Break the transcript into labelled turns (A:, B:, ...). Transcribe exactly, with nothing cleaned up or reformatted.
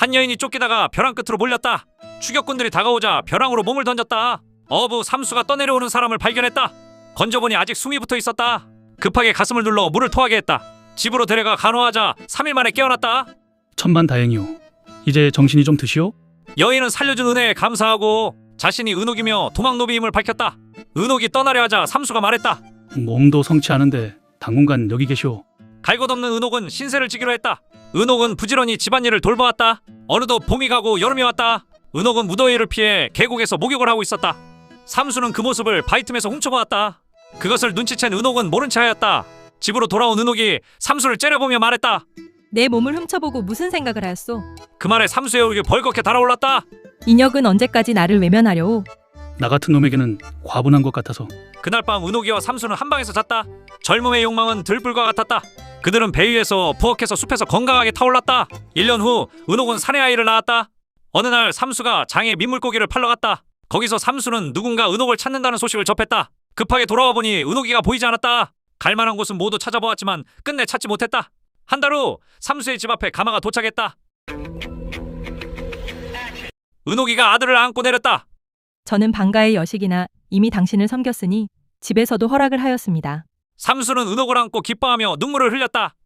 A: 한 여인이 쫓기다가 벼랑 끝으로 몰렸다. 추격꾼들이 다가오자 벼랑으로 몸을 던졌다. 어부 삼수가 떠내려오는 사람을 발견했다. 건져보니 아직 숨이 붙어 있었다. 급하게 가슴을 눌러 물을 토하게 했다. 집으로 데려가 간호하자 삼 일 만에 깨어났다.
B: 천만다행이오. 이제 정신이 좀 드시오?
A: 여인은 살려준 은혜에 감사하고 자신이 은옥이며 도망노비임을 밝혔다. 은옥이 떠나려 하자 삼수가 말했다.
B: 몸도 성치 않은데 당분간 여기 계시오.
A: 갈 곳 없는 은옥은 신세를 지기로 했다. 은옥은 부지런히 집안일을 돌봐왔다. 어느덧 봄이 가고 여름이 왔다. 은옥은 무더위를 피해 계곡에서 목욕을 하고 있었다. 삼수는 그 모습을 바위 틈에서 훔쳐보았다. 그것을 눈치챈 은옥은 모른 체 하였다. 집으로 돌아온 은옥이 삼수를 째려보며 말했다.
C: 내 몸을 훔쳐보고 무슨 생각을 하였소?
A: 그 말에 삼수의 얼굴이 벌겋게 달아올랐다.
C: 인혁은 언제까지 나를 외면하려오?
B: 나 같은 놈에게는 과분한 것 같아서.
A: 그날 밤 은옥이와 삼수는 한 방에서 잤다. 젊음의 욕망은 들불과 같았다. 그들은 배 위에서 부엌에서 숲에서 건강하게 타올랐다. 일 년 후 은옥은 사내 아이를 낳았다. 어느 날 삼수가 장에 민물고기를 팔러 갔다. 거기서 삼수는 누군가 은옥을 찾는다는 소식을 접했다. 급하게 돌아와 보니 은옥이가 보이지 않았다. 갈만한 곳은 모두 찾아보았지만 끝내 찾지 못했다. 한 달 후 삼수의 집 앞에 가마가 도착했다. 은옥이가 아들을 안고 내렸다.
C: 저는 방가의 여식이나 이미 당신을 섬겼으니 집에서도 허락을 하였습니다.
A: 삼수는 은옥을 안고 기뻐하며 눈물을 흘렸다.